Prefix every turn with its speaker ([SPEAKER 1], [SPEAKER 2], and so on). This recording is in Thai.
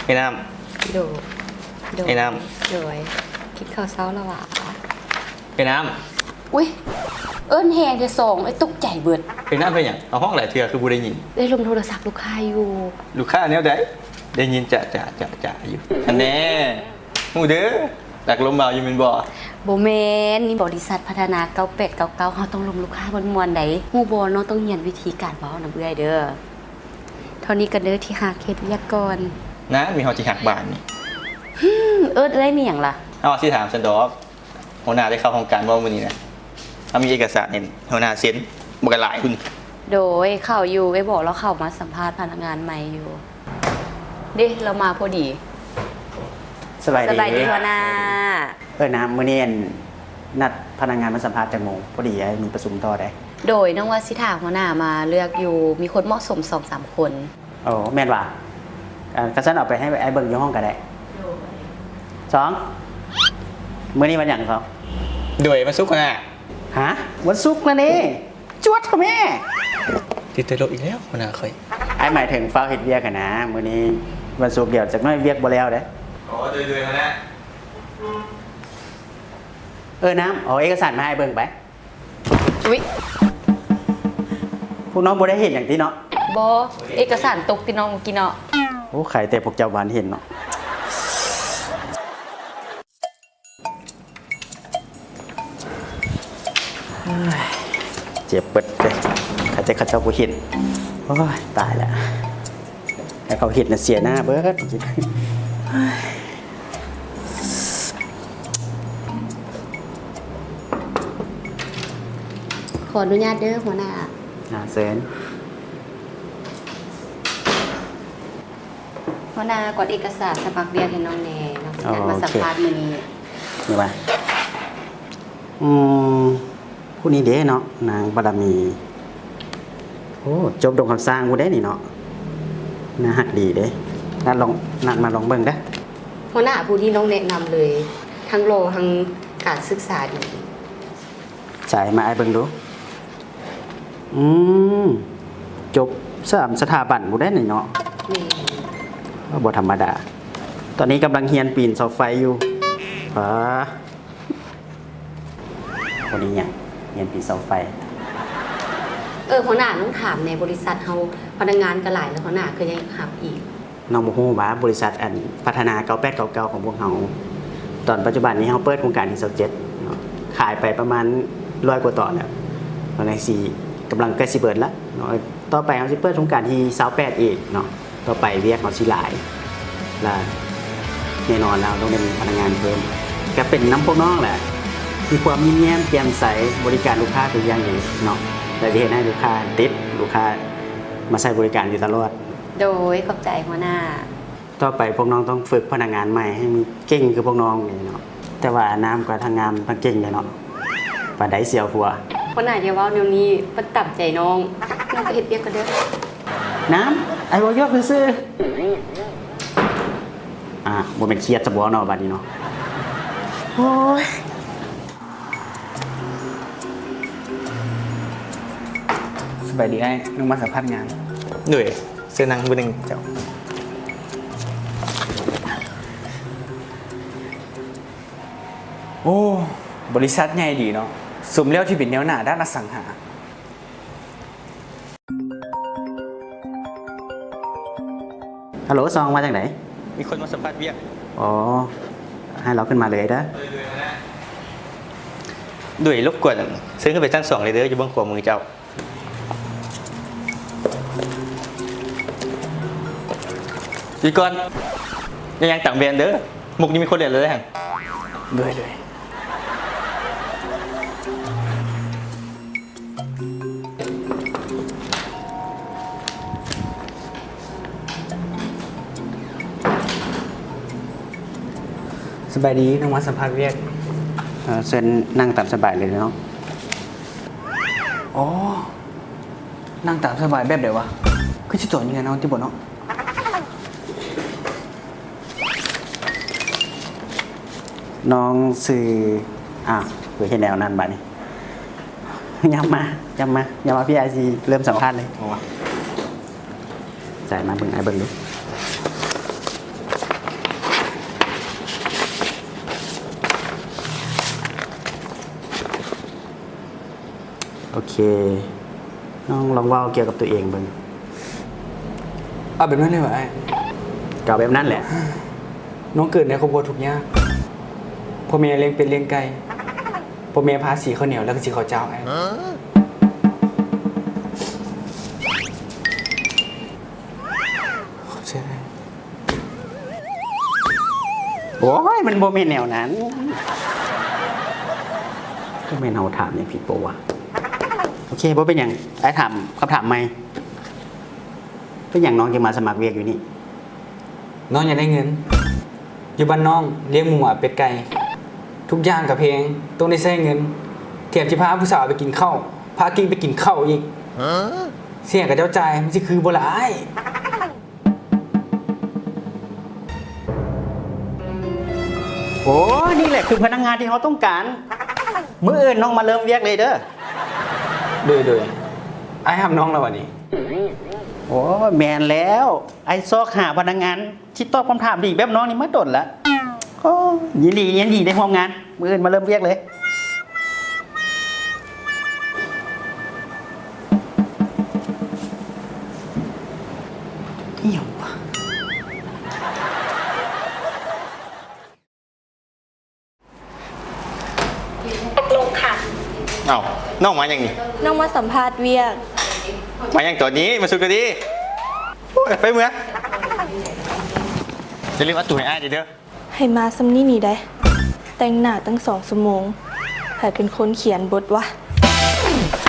[SPEAKER 1] ไอ้น้
[SPEAKER 2] โด
[SPEAKER 1] ำไอ้น้
[SPEAKER 2] โดยคิดข้าวเช้าแล้ววะ
[SPEAKER 1] ไอ้น้
[SPEAKER 2] อุ้ยเอิ้นแฮงจะส่งไอ้ตกใจเบิด
[SPEAKER 1] ไอ้น้ำเป็นอย่างเอาห้องหลายเทื่อคือบูได้ยิน
[SPEAKER 2] ได้ลงโทรศัพท์ลูกค้าอยู่
[SPEAKER 1] ลูกค้าแนวใดได้ยินจะอยู่อันแน่หูเด้อหลักลมเบาอยู่เป็นบ่
[SPEAKER 2] บ่แม่นนี่บริษัทพัฒนา9899เฮาต้องลงลูกค้ามวนๆใดฮู้บ่เนาะต้องเรียนวิธีการเว้านำเอื้อยเด้อเท่านี้ก็เด้อที่หาเฮ็ดเวียกก่อน
[SPEAKER 1] นะมีเฮาสิหักบานนี่
[SPEAKER 2] เอิ้นได้มีหยังล่ะ
[SPEAKER 1] เอาสิถามซันดอกหัวหน้าได้เข้าโครงการบ่มื้อนี้นะเอามีเอกสารเห็นหัวหน้าเซ็นบ่ก็หลายคุณ
[SPEAKER 2] โดยเข้าอยู่ไอ้บอกเราเข้ามาสัมภาษณ์พนักงานใหม่อยู่เด้เรามาพอดี
[SPEAKER 3] สบายดี
[SPEAKER 2] หัวหน้า
[SPEAKER 3] น้ำมื้อนี้นัดพนักงานมาสัมภาษณ์จังโมงพอดีมีประชุมต่อได้
[SPEAKER 2] โดยน้องว่าสิถามหัวหน้ามาเลือกอยู่มีคนเหมาะสม 2-3 คน
[SPEAKER 3] โอ้แม่นว่ะกระชั้นเอาไปให้ไอ้เบิ่งอยู่ห้องก็ได้2มื้อนี้วันหยังเขา
[SPEAKER 1] ด้วยมาสุกน่ะ
[SPEAKER 3] ฮะวันศุกร์นะนี่จวดค่ะแม่
[SPEAKER 1] ติดตลกอีกแล้วหัวหน้าค่อย
[SPEAKER 3] ไอ้หมายถึงเฝ้าเฮ็ดเวียกกันนะมื้อนี้วันศุกร์เดี๋ยวจักหน่อยเวียกบ่แล้วเด้
[SPEAKER 1] อ๋อด้วยๆมาแล้ว
[SPEAKER 3] น้ำเอาเอกสารมาให้เบิ่งไป
[SPEAKER 2] อุ๊ย
[SPEAKER 3] พวกน้องบ่ได้เห็นอย่างที่เนาะ
[SPEAKER 2] บ่เอกสารตกที่น้องกินเนาะ
[SPEAKER 3] โอ้ไข่แต่พวกเจ้าหวานเห็นเนาะเจ็บเปิดเลยข้าเจ้าผู้เห็นโอ้ยตายแล้วแต่เขาเห็นน่ะเสียหน้าเบิด
[SPEAKER 2] ขออนุญาตเด้อหัวหน้า
[SPEAKER 3] เซิน
[SPEAKER 2] หัวหน้ากดเอกสารสมัครเรียนให้น้องแน่น้องจะมาสัมภาษณ์มื้อนี้
[SPEAKER 3] นี่ว่าผู้นี้เด้เนาะนางบารมีโอ้จบดงคำสร้างกูได้นี่เนาะน่าฮักดีเด้นัดมาลองเบิ่งเด้อ
[SPEAKER 2] หัวหน้าผู้ที่น้องแนะนำเลยทั้งโลทั้งการศึกษาดี
[SPEAKER 3] จ่ายมาไอ้เบิ่งดูจบ3สถาบันกูได้นี่เนาะนี่บ่ธรรมดาตอนนี้กำลังเรียนปีนเสาไฟอยู่คนนี้เนี่ยเรียนปีนเสาไฟ
[SPEAKER 2] หัวหน้าต้องถามในบริษัทเฮาพนักงานก็หลายแล้วหัวหน้าก็ยังหับอีก
[SPEAKER 3] น้องบ่ฮู้ว่าบริษัทอันพัฒนา9899ของพวกเฮาตอนปัจจุบันนี้เฮาเปิดโครงการที่27เนาะขายไปประมาณ100กว่าต่อแล้วตอนนี้สิกำลังใกล้สิเบิดแล้วเนาะต่อไปเฮาสิเปิดโครงการที่28อีกเนาะต่อไปเวียกเฮาสิหลายและแน่นอนแล้วต้องเป็นพนักงานเพิ่มก็เป็นน้ำพวกน้องแหละมีความยิ้มแย้มแจ่มใสบริการลูกค้าทุกอย่างอย่างเนาะแต่ที่เห็นให้ลูกค้าติดลูกค้ามาใช้บริการอยู่ตลอด
[SPEAKER 2] โดยขอบใจหัวหน้า
[SPEAKER 3] ต่อไปพวกน้องต้องฝึกพนักงานใหม่ให้มันเก่งคือพวกน้องนี่เนาะแต่ว่าน้ำกับทางงานทั้งเก่งเลยเนาะปานใดเสียวหัว
[SPEAKER 2] หัวหน้าเดี๋ยวว่าเดี๋ยวนี้มันต่ำใจน้องก็เฮ็ดเวียกก็เด้อ
[SPEAKER 3] น้ำไอ้บ่ยกซื่อบ่เป็นเครียดซะบ่เนาะบัดนี้เนาะโอ้ยสบายดีไอ้นึกมาสัมภาษณ์งาน
[SPEAKER 1] หน่วยเสื้อนังเบอร์1เจ้า
[SPEAKER 4] โอ้บริษัทใหญ่ดีเนาะสมแล้วที่เป็นแนวหน้าด้านอสังหา
[SPEAKER 3] ฮัลโหลซองมาจากไหน
[SPEAKER 1] มีคนมาสัมภาษณ์เวียก
[SPEAKER 3] อ๋อให้เราขึ้นมาเลยนะ
[SPEAKER 1] ด้วยรบกวนซื้อขึ้นไปชั้น2เลยเด้ออยู่เบื้องขวามือเจ้าอีกก่อนยังต่างแบรนด์เด้อมุกนี้มีคนเรียนเลยฮะ
[SPEAKER 4] ด้วยสบายดีน้องมาสัมภาษณ์เวียก
[SPEAKER 3] เชิญนั่งตามสบายเลยเนาะ
[SPEAKER 4] อ๋อนั่งตามสบายแบบเดี๋ยววะคือจะจอดยังไงน้องที่บ่เนาะ
[SPEAKER 3] น้องสื่อเพื่อเห็นแนวนั้นบัดนี้ย้ำมาพี่ไอซีเริ่มสัมภาษณ์เลยจ่ายมาเบิ่งไอ้เบิ่งดูโอเค น้องลองเว่าเกี่ยวกับตัวเองเบิ่ง
[SPEAKER 4] เอาแบบนั้นเลยวะไอ้
[SPEAKER 3] เก่าแบบนั้นแหละ
[SPEAKER 4] น้องเกิดในครอบครัวทุกข์ยากพ่อแม่เลี้ยงเป็นเลี้ยงไก่พ่อแม่พาสีข้าวเหนียวแล้วก็สีข้าวเจ้าไอ้ขอบใจไอ้
[SPEAKER 3] โอ้ยมันโบเมนแนวนั้นก็เมนเอาถามอย่างผิดปะวะโอเคบ่เป็นอย่างไอ้ถามคำถามไหมเป็นอย่างน้องจะมาสมัครเวียกอยู่นี่
[SPEAKER 4] น้องอยากได้เงิน อยู่บ้านน้องเลี้ยงหมูหมาเป็ดไก่ทุกอย่างกับเพลงต้องได้ใช้เงินเทียบที่พาผู้สาวไปกินข้าวพากิ้งไปกินข้าวอีกเสี่ยงกับเจ้าใจายมันจะคือโบราณ
[SPEAKER 3] โอ้นี่แหละคือพนักงานที่เขาต้องการมื้ออื่นน้องมาเริ่มเวียกเลยเด้อ
[SPEAKER 4] โดยไอ้ทำน้องแล้ววันนี้
[SPEAKER 3] โอ้แมนแล้วไอ้ซอกหาพนักงานที่ตอบคำถามดีแบบน้องนี่มาดนละโอ้ยินดีได้ร่วมงานมื้ออื่นมาเริ่มเวียกเลยเหี่ยวว่ะ
[SPEAKER 2] ตกลงค่ะ
[SPEAKER 1] เอ้าน้องมาอย่างนี้
[SPEAKER 5] น้องมาสัมภาษณ์เวียก
[SPEAKER 1] มาอย่างตัวนี้มาสุดกันดีโอ้ยไปเมื่อจะเรียกว่าตัวให้อ้ายเด้อ
[SPEAKER 5] ให้มาซัมนี่นี่ได้ แต่งหน้าตั้ง2 ชั่วโมงใครเป็นคนเขียนบทวะ